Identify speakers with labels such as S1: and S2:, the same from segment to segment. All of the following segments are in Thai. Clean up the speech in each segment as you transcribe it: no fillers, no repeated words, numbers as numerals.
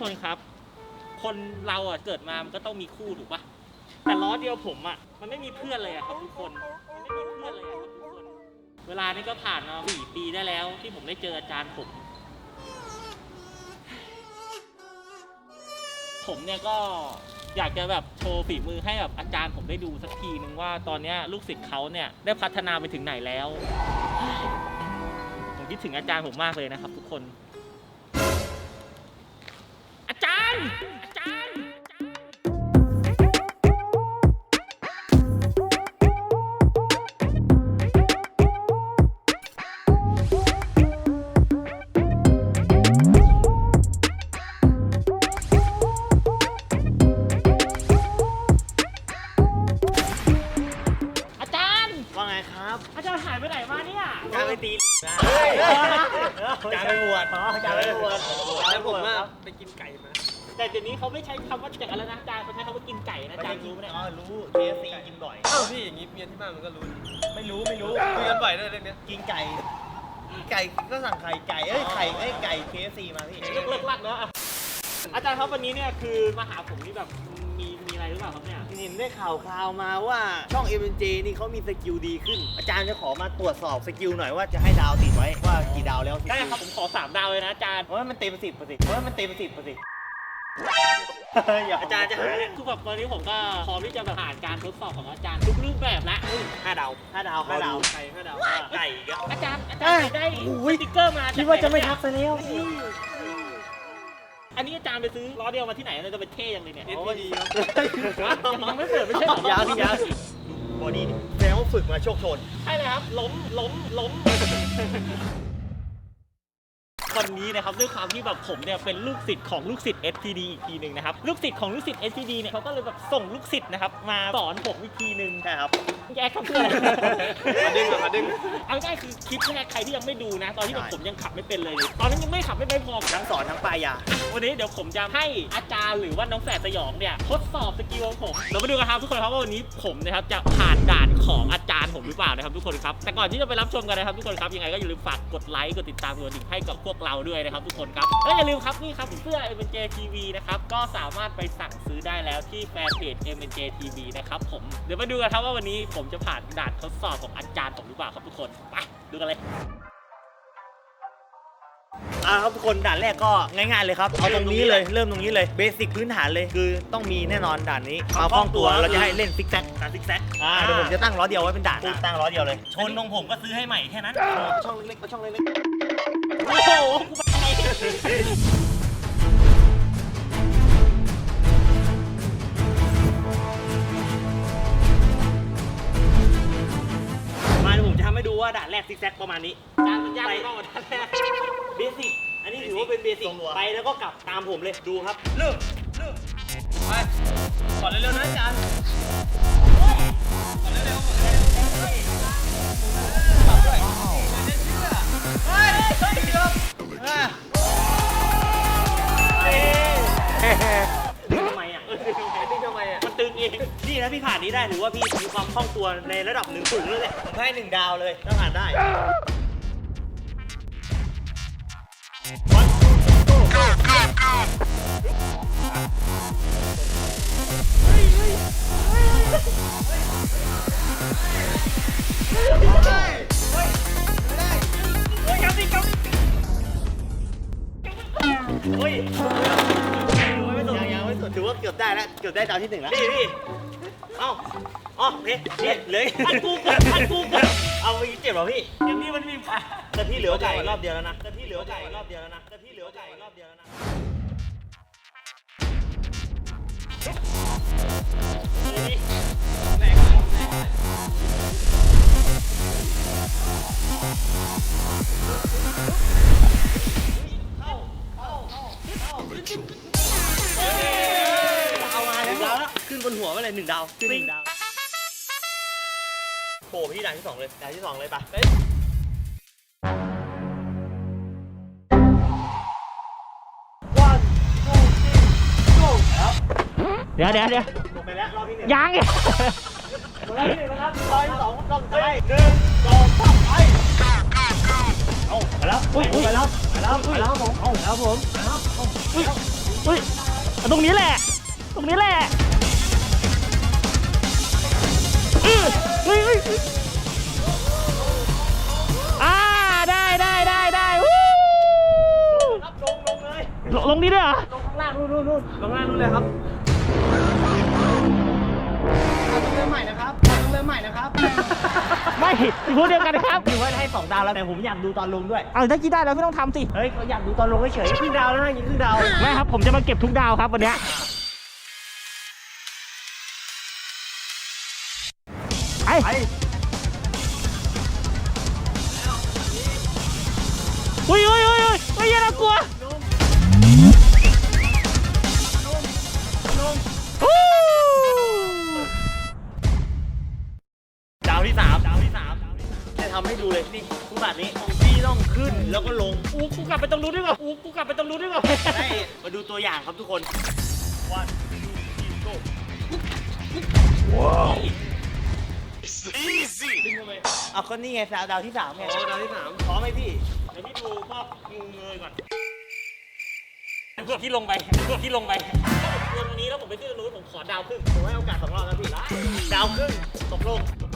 S1: คนครับคนเราอ่ะเกิดมามันก็ต้องมีคู่ถูกปะแต่ล้อเดียวผมอ่ะมันไม่มีเพื่อนเลยอ่ะครับทุกคนมันไม่มีเพื่อนเลยอ่ะครับทุกคนเวลานี้ก็ผ่านมา4 ปีได้แล้วที่ผมได้เจออาจารย์ผมเนี่ยก็อยากจะแบบโชว์ฝีมือให้แบบอาจารย์ผมได้ดูสักทีนึงว่าตอนนี้ลูกศิษย์เขาเนี่ยได้พัฒนาไปถึงไหนแล้วผมคิดถึงอาจารย์ผมมากเลยนะครับทุกคนอาจารย์
S2: ว่าไงครับ
S1: อาจารย์หายไปไหนมาเนี่ย
S2: จานไปตีจานไปบวชจานไปบวชแล้วผมว่าไปกินไก่มา
S1: แต่เดี๋ยวนี้เขาไม่ใช้คำว่าจากอะไรนะอาจารย์เขาใช้คำว่ากินไก่นะอาจารย์รู้ไหมเนี่ย
S2: รู้ KFC กินบ่อยเอ้าพี่อย่างนี้เมียที่บ้านมันก็รู้ไม่รู้คุยกันบ่อยด้วยเรื่องนี้กินไก่ก็สั่งไก่KFC มาพี่
S1: เลิกลักแล้วอาจารย์ครับวันนี้เนี่ยคือมาหาผมนี่แบบมีอะไรหรือเปล่าครับเนี่ย
S2: เห็นได้ข่าวมาว่าช่อง MNJ นี่เขามีสกิลดีขึ้นอาจารย์จะขอมาตรวจสอบสกิลหน่อยว่าจะให้ดาวติดไว้ว่ากี่ดาวแล้ว
S1: ได้ครับผมขอ3 ดาวเลยนะอาจารย์
S2: เพราะว่ามันเต็ม10%อาจารย์จะหาเนี่ย
S1: คือแบบตอนนี้ผมก็พร้อมที่จะแบบผ่านการทดสอบของอาจารย์ทุกรูปแบบแล้ว
S2: 5 ดาวไก่5 ดาวไก่
S1: อาจารย์ได้สติ๊กเกอร์มา
S2: คิดว่าจะไม่ทักซะแล้ว
S1: อันนี้อาจารย์ไปซื้อล้อเดียวมาที่ไหนจะเป็นเท่ยังเลยเนี่ย
S2: โอ้ดีครับ
S1: ยังไม่เปิดไม่ใช่หรอ
S2: ยังบอดี้แสดงว่าฝึกมาโชคโชน
S1: ใช่เลยครับล้มวันนี้นะครับด้วยความที่แบบผมเนี่ยเป็นลูกศิษย์ของลูกศิษย์ SPD อีกทีหนึ่งนะครับลูกศิษย์ของลูกศิษย์ SPD เนี่ยเขาก็เลยแบบส่งลูกศิษย์นะครับมาสอนผมอีกทีหนึ่ง
S2: ใช่ครับ
S1: แยกครับเพื่อน
S2: มาดึง
S1: เอาง่ายคือคลิปแรกใครที่ยังไม่ดูนะตอนที่แบบผมยังขับไม่เป็นเลยตอนนั้นยังไม่ขับไม่พอ
S2: ทั้งสอนทั้งปลายยา
S1: วันนี้เดี๋ยวผมจะให้อาจารย์หรือว่าน้องแฝดสยองเนี่ยทดสอบสกิลของผมเรามาดูกันครับทุกคนครับว่าวันนี้ผมนะครับจะผ่านด่านของอาจารย์ผมหรือเปล่านะครับทุกคนครับแต่ก่อนที่จะไปรับชมกันนะครับทุกคนครับยังไงก็อย่าลืมฝากกดไลค์กดติดตามกดกระดิ่งให้กับพวกเราด้วยนะครับทุกคนครับและอย่าลืมครับนี่ครับเสื้อ MNJ TV นะครับก็สามารถไปสั่งซื้อได้แล้วที่แฟนเพจ MNJ TV นะครับผมเดี๋ยวมาดูกันครับว่าวันนี้ผมจะผ่านด่านทดสอบของอาจารย์ผมหรือเปล่าครับทุกคนไปดูกันเลย
S2: ครับทุกคนด่านแรกก็ง่ายๆเลยครับเอาตรงนี้เลยเริ่มตรงนี้เลยเบสิกพื้นฐานเลยคือต้องมีแน่นอนด่านนี้มาคล่องตัวเราจะให้เล่นซิกแซกการซิกแซกเดี๋ยวผมจะตั้งล้อเดียวไว้เป็นด่านตั้งล้อเดียวเลย
S1: ชนตรงผมก็ซื้อให้ใหม่แค่นั้น
S2: ช่องเล็กๆช่องเล็ก
S1: ๆโอ้โห
S2: มาเดี๋ยวผมจะทำให้ดูว่าด่านแรกซิกแซกประมาณนี้
S1: ด่านมันยากไปบ้างด่านแรก
S2: เบสิกอันนี้ถือว่าเป็นเบสิกไปแล้วก็กลับตามผมเลยดูครับเริ่มไปก่อนเร็วๆนะอาจารย์ก่อนเร็วๆปรับด้วยเฮ้ยทำไมอ่ะ
S1: มันตึงเอง
S2: นี่นะพี่ผ่านนี้ได้ถือว่าพี่มีความคล่องตัวในระดับ1 สูงเลยแหละผมให้1 ดาวเลยถ้าผ่านได้ยังไม่สุดถือว่าเกือบได้แล้วเกือบได้ดาวที่1แล้วพี่โอเคเลยอันกูเอาไปเจ็บเหรอพี่
S1: ยังนี่มันมีผ่า
S2: แต่พี่เหลือไก่รอบเดียวแล้วนะเอามาแล้วขึ้นบนหัวไปเลย1 ดาวขึ้น1 ดาวโผล่ไปที่ด่านที่ 2เลยด่านที่ 2เลยปะ
S1: เดี๋ยว
S2: ลงไปแล้วรอบที่1
S1: ยัง
S2: รอบที่1นะครับรอบที่ 2รอบสุดท้าย1 2 3ไปเอาไปแล้วผมเอาแล้วผม
S1: เฮ้ยตรงนี้แหละตรงนี้แหละเฮ้ยเฮ้ยได้วู้
S2: ครับลงเลย
S1: ลงนี่ด้วยเหรอ
S2: ลงข้างล่างนู่นลงล่างนู่นเลยครับต้องเริ่มใหม่นะครับ
S1: ไม่พูดเดียวกันครับ
S2: ถือว่าให้2 ดาวแล้วแต่ผมอยากดูตอนลงด้วย
S1: เอาถ้าคิดได้แล้วไม่ต้องทำสิ
S2: เฮ้ยเขาอยากดูตอนลงเฉยๆครึ่งดาวแล้วนะยิงครึ่งดาว
S1: ไม่ครับผมจะมาเก็บทุกดาวครับวันเนี้ยไอ้อุ้ยอย่าน่ากลัว
S2: ดาวที่ 3จะทำให้ดูเลยนี่ทุกบาทนี้พี่ต้องขึ้นแล้วก็ลง
S1: กูกลับไปตรงนู้นดีกว่า
S2: ให้มาดูตัวอย่างครับทุกคนวันgo ว้าว easy ดึงมาเลยเอาคนนี่ไงดาวที่ 3ไงดาวที่ 3พร้อมไหมพี่
S1: เดี๋ยวพี่ดูพวกงูเงยก่อนพวกที่ลงไปลงตรงนี้แล้วผมไปขึ้นตรงนู้นผมขอดาวครึ่ง
S2: ผมให้โอกาส2 รอบนะพี่ดาวครึ่งตกลง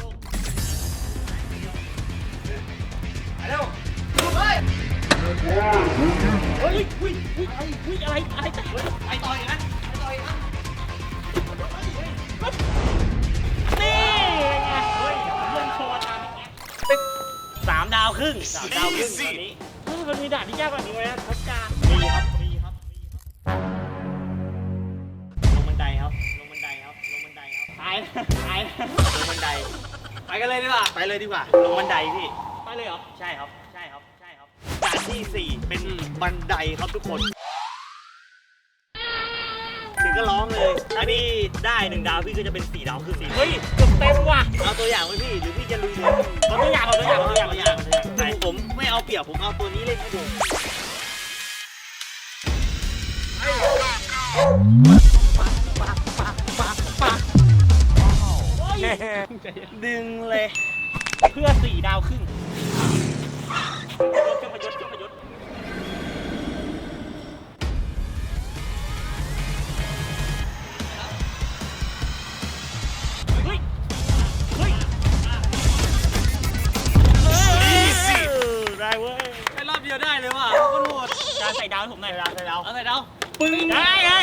S2: เร็วเฮ้ย
S1: อะไรแต่
S2: ไปต่อยนะ
S1: นี่ไงเฮ้ยเพื่อนโชว์ตามนี้
S2: 3 ดาวครึ่งตอนนี้
S1: มันมีด่านที่ยากกว่านี้ไหมทัศกา
S2: มีครับลงบันไดครับ
S1: ตาย
S2: ลงบันไดไปกันเลยดีกว่าลงบันไดพี่
S1: ไปเลยเหรอ
S2: ใช่ครับด่านที่ 4เป็นบันไดครับทุกคนถึงก็ร้องเลยอันนี้ได้1 ดาวพี่ก็จะเป็น4 ดาวคือ4
S1: เฮ้ยเกือบเต็มว่ะ
S2: เอาตัวอย่างไว้พี่หรือพี่จะลุยเลย
S1: เอาตัวอย่าง
S2: ผมไม่เอาเปรียบผมเอาตัวนี้เล่นให้ดูดึงเลย
S1: เพื่อ4 ดาวครึ่งเครื่องพยศเฮ้ยได้เว้ย
S2: แค่รอบเดียวได้เลยว่ะคนโหด
S1: การใส่ดาวผมหน่อย
S2: ใส่ดาว
S1: ปึ้งได้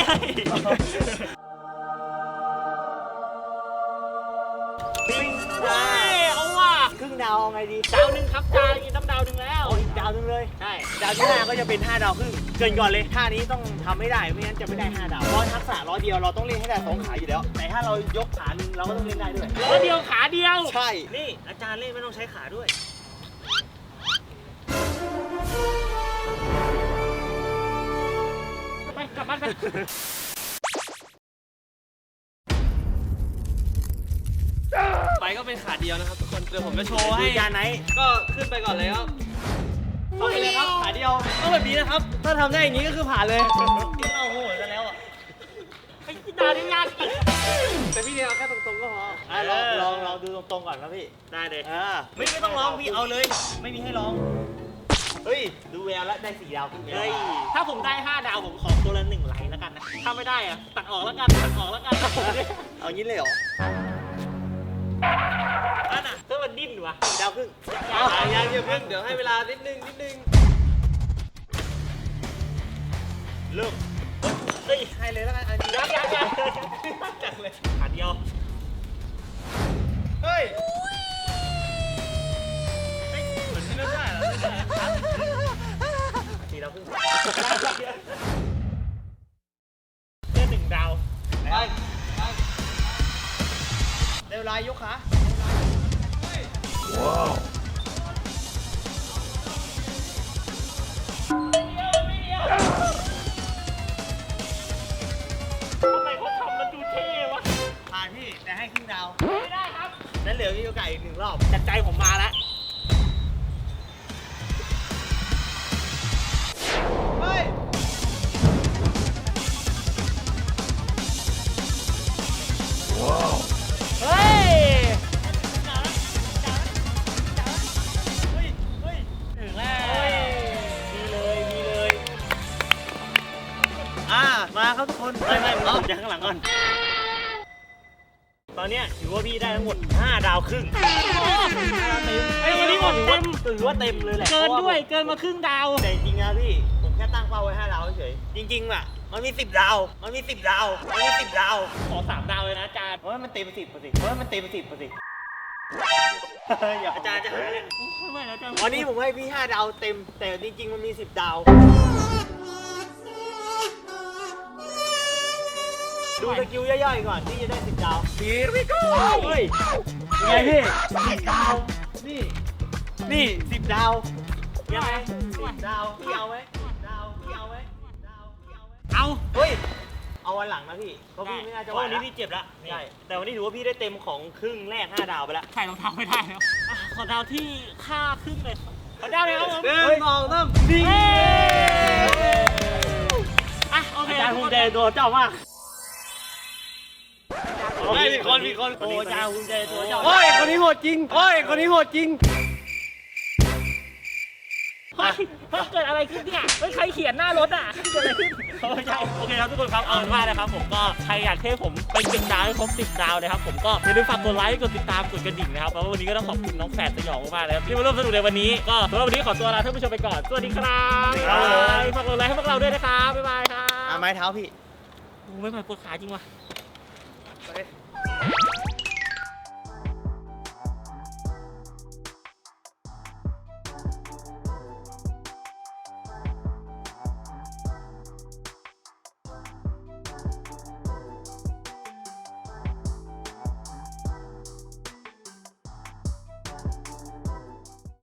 S1: เอาว่ะ
S2: ครึ่งดาวไงดี
S1: ดาว1ครับจานต้องดาว1แล้ว
S2: อีกดาวนึงเลย
S1: ใช่
S2: ดาวที่5ก็จะเป็น5 ดาวครึ่งเกินก่อนเลยท่านี้ต้องทำให้ได้ไม่งั้นจะไม่ได้5 ดาวเพราะทักษะ100 เดียวเราต้องเล่นให้ได้2 ขาอยู่แล้วแต่ถ้าเรายกขาหนึ่งเราก็ต้องเล่นได้ด้วย
S1: 100 เดียวขาเดียว
S2: ใช่นี่อาจารย์เล่นไม่ต้องใช้ขาด้วย
S1: ไปกลับบ้านไป
S2: ก็เป็นขาเดียวนะครับทุกคนเดี๋ยวผมจะโชว์ให้จานไหนก็ขึ้นไปก่อนเลยครับเข้าไปเลยครับขาเดียวต้องแบบนี้นะครับถ้าทำได้อย่างนี้ก็คือผ่านเลยเราโหดกันแล้วอ่ะ
S1: ไอ้ดาวนี่ยากจริง
S2: แต่พี่เนี่ยเอาแค่ตรงๆก็พอลองดูตรงๆก่อนนะพี่
S1: ได้เลย
S2: ไม่ต้องร้องพี่เอาเลยไม่มีให้ร้องเฮ้ยดูแววแล้วได้4 ดาว
S1: เฮ้ยถ้าผมได้5 ดาวผมขอตัวละ1 ไลค์แล้วกันนะถ้าไม่ได้อะตัดออกแล้วกัน
S2: เอางี้เลยเหรอ
S1: นั่นน่ะเพื่อมันดิ้นวะ
S2: 4 ดาวครึ่งยังเพิ่งเดี๋ยวให้เวลานิดนึงเริ่ม
S1: เฮ้ย
S2: ให้เลยแล้วกันอันนี้
S1: ยังจังเลยขาเดียว
S2: เฮ้ยเหมือนที่เล่นได้เหรอ4 ดาวครึ่ง
S1: เล่น1 ดาว
S2: ไปเร็วลายยกขาว้าว
S1: ทำไมเขาทำมันดูเท่วะ
S2: ผ่านพี่แต่ให้ครึ่งดาว
S1: ไม่ได้ครับ
S2: นั้นเหลือพี่โอกาสอีก1 รอบ
S1: จัดใจผมมาแล้ว
S2: เฮ้ยว้าว
S1: เฮ้ย
S2: ถึงแล้วมีเลยมาหลังก่อนตอนเนี้ยถือว่าพี่ได้ทั้งหมด5 ดาวครึ่ง
S1: ไอ้วันนี้หมดเต็ม
S2: ถือว่าเต็มเลยแหละ
S1: เกินด้วยเกินมาครึ่งดาว
S2: แต่จริงๆนะพี่ผมแค่ตั้งเป้าไว้5 ดาวเฉยจริงๆอ่ะมันมี10 ดาวมันมี10 ดาวมันมี10 ดาว
S1: ขอ3 ดาวเลยนะอาจารย์
S2: เพราะว่ามันเต็ม10%เพราะว่ามันเต็ม10%อย่าอาจารย์จะหาเนี่ย
S1: ไม่แล้วอาจารย์
S2: วันนี้ผมให้พี่5 ดาวเต็มแต่จริงๆมันมี10 ดาวดูสกิลย่อยๆก่อนที่จะได้10 ดาวHere we go เฮ้ยยังไงพี่10 ดาวนี่10 ดาวยังไง10 ดาวพี่เอาไหม10 ดาวพี่เอาไหม10 ดาวพี่เอาไหม
S1: เอา
S2: เฮ้ยเอาวันหลังนะพี่เพราะพี่ไม่น่าจะไหว
S1: วันนี้พี่เจ็บแล้ว
S2: ใช่แต่วันนี้ถือว่าพี่ได้เต็มของครึ่งแรก5 ดาวไปแล้ว
S1: ใส่รองเท้าไม่ได้แล้วขอดาวที่ค่าครึ่งเลยขอดาวเลยครับผม
S2: 2 3ดี
S1: อ่ะโอเค
S2: อาจารย์ภูมิใจตัวเจ้ามากมีคน
S1: โอ้อาจารย์ภูมิใจตัวเจ้า
S2: โอ้ยคนนี้โหดจริงโอ้ยคนนี้โหดจริง
S1: เฮ้ยเกิดอะไรขึ้นเนี่ยไม่ใครเขียนหน้ารถอ่ะเกิดอะไรขึ้นไม่ใช่โอเคครับทุกคนครับเอาเป็นว่านะครับผมก็ใครอยากให้ผมไป10 ดาวให้ครบ10 ดาวนะครับผมก็อย่าลืมฝากกดไลค์กดติดตามกดกระดิ่งนะครับแล้ววันนี้ก็ต้องขอบคุณน้องแฝดสยองมากๆเลยครับที่มาร่วมสนุกในวันนี้ก็สำหรับวันนี้ขอตัวลาท่านผู้ชมไปก่อนสวัสดีครับบ๊ายบายฝากกดไลค์ให้พวกเราด้วยนะครับบ๊ายบายครับ
S2: ไม้เท้าพี่
S1: โอ้ไม่ไหวปวดขาจริงว่ะ